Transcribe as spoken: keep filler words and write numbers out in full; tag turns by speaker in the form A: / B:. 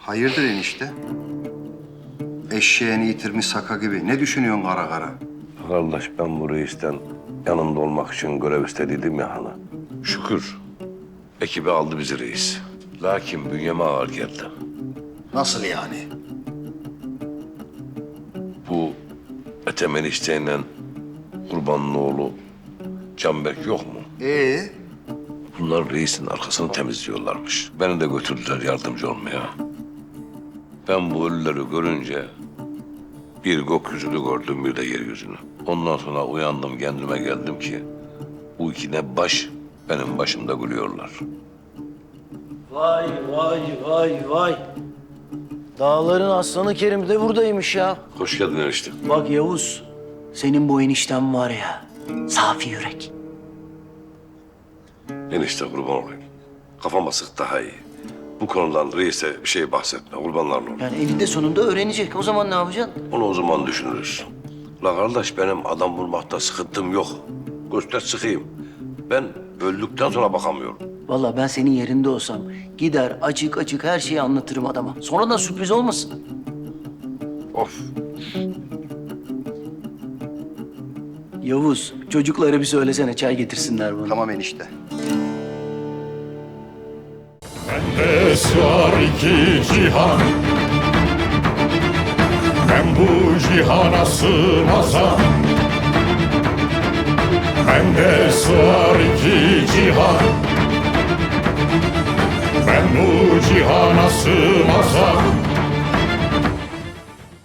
A: Hayırdır enişte? Eşeğini yitirmiş saka gibi. Ne düşünüyorsun kara kara?
B: Kardeş ben bu reisten yanında olmak için görev istediydim ya hani. Şükür ekibi aldı bizi reis. Lakin bünyeme ağır geldi.
A: Nasıl yani?
B: Bu Ethem isteğiyle Kurban'ın oğlu Canberk yok mu?
A: Ee?
B: Bunlar reisin arkasını temizliyorlarmış. Beni de götürdüler yardımcı olmaya. Ben bu ölüleri görünce bir gökyüzünü gördüm, bir de yeryüzünü. Ondan sonra uyandım, kendime geldim ki bu iki ne baş benim başımda gülüyorlar.
C: Vay vay vay vay. Dağların aslanı Kerim de buradaymış ya.
B: Hoş geldin enişte.
C: Bak Yavuz, senin bu enişten var ya, safi yürek.
B: Enişte kurban olayım. Kafama sık daha iyi. Bu konudan reise bir şey bahsetme, kurbanlarla olur.
C: Yani eninde sonunda öğrenecek. O zaman ne yapacaksın?
B: Onu o zaman düşünürüz. La kardeş benim adam bulmakta sıkıntım yok. Göster sıkayım. Ben öldükten sonra bakamıyorum.
C: Vallahi ben senin yerinde olsam gider açık açık her şeyi anlatırım adama. Sonradan sürpriz olmasın.
B: Of.
C: Yavuz, çocuklara bir söylesene çay getirsinler bana.
A: Tamam enişte.
D: Bende sığar iki cihan, ben bu cihana sığmazam. Bende sığar iki cihan, ben bu cihana sığmazam.